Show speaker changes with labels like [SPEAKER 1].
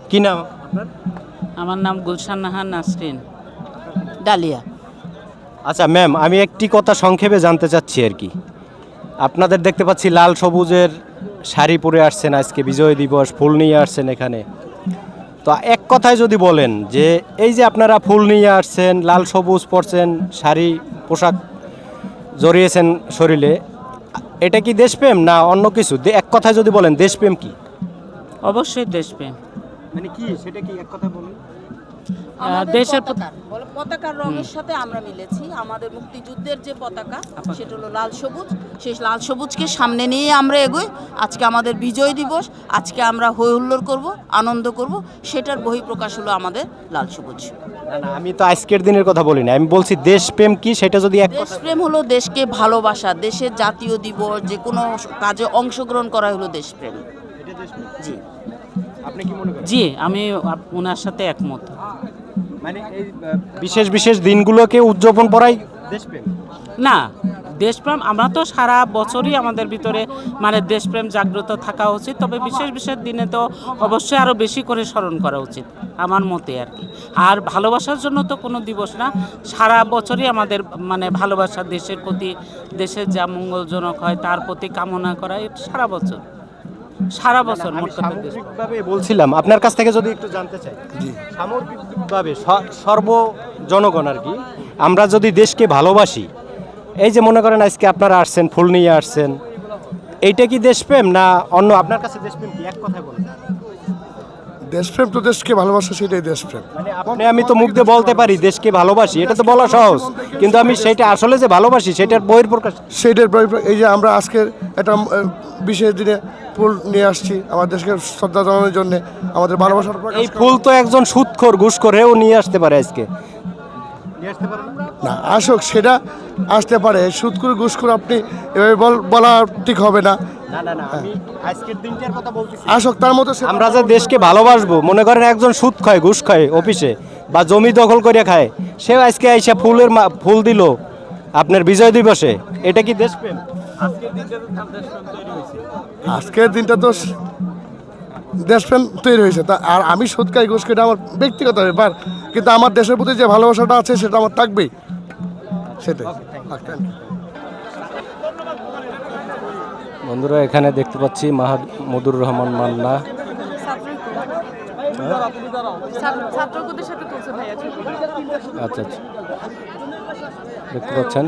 [SPEAKER 1] কি নাম আপনার?
[SPEAKER 2] আমার নাম গুলশান নাহার নাসরিন, ডালিয়া।
[SPEAKER 1] আচ্ছা ম্যাম, আমি একটি কথা সংক্ষেপে জানতে চাচ্ছি আর কি। আপনাদের দেখতে পাচ্ছি লাল সবুজের শাড়ি পরে আসছেন, আজকে বিজয় দিবস, ফুল নিয়ে আসছেন এখানে। তো এক কথায় যদি বলেন যে এই যে আপনারা ফুল নিয়ে আসছেন, লাল সবুজ পরছেন, শাড়ি পোশাক জড়িয়েছেন শরীরে, এটা কি দেশপ্রেম না অন্য কিছু? এক কথায় যদি বলেন দেশপ্রেম কি?
[SPEAKER 2] অবশ্যই দেশপ্রেম।
[SPEAKER 1] মানে কি সেটা কি এক কথায় বলেন?
[SPEAKER 2] দেশের
[SPEAKER 3] পতাকার রঙের সাথে আমরা মিলেছি। আমাদের মুক্তিযুদ্ধের যে পতাকা সেটা হলো লাল সবুজ। সেই লাল সবুজকে সামনে নিয়ে আমরা এগোই। আজকে আমাদের বিজয় দিবস, আজকে আমরা হই হুল্লোড় করব, আনন্দ করব, সেটার বহিঃপ্রকাশ হলো আমাদের লাল সবুজ।
[SPEAKER 1] না না, আমি তো আজকের দিনের কথা বলি না, আমি বলছি দেশপ্রেম কি সেটা যদি এক কথা।
[SPEAKER 3] দেশপ্রেম হলো দেশকে ভালোবাসা, দেশের জাতীয় দিবস, যে কোনো কাজে অংশগ্রহণ করা হলো দেশপ্রেম। জি,
[SPEAKER 1] আপনি কি মনে করেন?
[SPEAKER 2] জি, আমি ওনার সাথে একমত।
[SPEAKER 1] মানে এই বিশেষ বিশেষ দিনগুলোকে উদযাপন করাই দেশপ্রেম?
[SPEAKER 2] না, দেশপ্রেম আমরা তো সারা বছরই আমাদের ভিতরে মানে দেশপ্রেম জাগ্রত থাকা উচিত, তবে বিশেষ বিশেষ দিনে তো অবশ্যই আরও বেশি করে স্মরণ করা উচিত আমার মতে আর কি। আর ভালোবাসার জন্য তো কোনো দিবস না, সারা বছরই আমাদের মানে ভালোবাসা, দেশের প্রতি, দেশের যা মঙ্গলজনক হয় তার প্রতি কামনা করা, এটা সারা বছর মোট কথা দেশ।
[SPEAKER 1] সামগ্রিকভাবে বলছিলাম আপনার কাছ থেকে যদি একটু জানতে চাই, সামগ্রিকভাবে সর্ব জনগণ আর কি, আমরা যদি দেশকে ভালোবাসি, এই যে মনে করেন আজকে আপনারা আসছেন, ফুল নিয়ে আসছেন, এইটা কি দেশপ্রেম না অন্য? আপনার কাছে দেশপ্রেম কি এক কথায় বলেন?
[SPEAKER 4] দেশপ্রেম তো দেশকে ভালোবাসা, সেটাই দেশপ্রেম।
[SPEAKER 1] মানে আমি তো মুখ দিয়ে বলতে পারি দেশকে ভালোবাসি, এটা তো বলা সহজ, কিন্তু আমি সেটা আসলে যে ভালোবাসি সেটার বহিঃপ্রকাশ।
[SPEAKER 4] সেইটার এই যে আমরা আজকের একটা বিশেষ দিনে ফুল নিয়ে আসছি আমার দেশকে শ্রদ্ধা জানানোর জন্য, আমাদের ভালোবাসার প্রকাশ
[SPEAKER 1] এই ফুল তো একজন সুদখোর ঘুষখোরেও নিয়ে আসতে পারে আজকে।
[SPEAKER 4] না, আসুক, সেটা আসতে পারে। সুদকুর ঘুষখোর আপনি এভাবে বলা ঠিক হবে না।
[SPEAKER 1] না না না, আমি আজকের দিনটার কথা বলতেছি।
[SPEAKER 4] আসুক, তার মতো
[SPEAKER 1] আমরা যে দেশকে ভালোবাসবো, মনে করেন একজন সুদ খায়, ঘুষ খায় অফিসে, বা জমি দখল করে খায়, সেও আজকে আইসা ফুল দিল আপনার বিজয় দিবসে, এটা কি দেশপ্রেম?
[SPEAKER 4] আজকের দিনটা তো দেশপ্রেম তৈরি হয়েছে। তা আর আমি সুদ খাই, ঘুষ খাই, এটা আমার ব্যক্তিগত ব্যাপার, কিন্তু আমার দেশের প্রতি যে ভালোবাসাটা আছে সেটা আমার থাকবেই, সেটাই।
[SPEAKER 1] বন্ধুরা, এখানে দেখতে পাচ্ছি মাহমুদুর রহমান মান্না। আচ্ছা আচ্ছা, দেখতে পাচ্ছেন।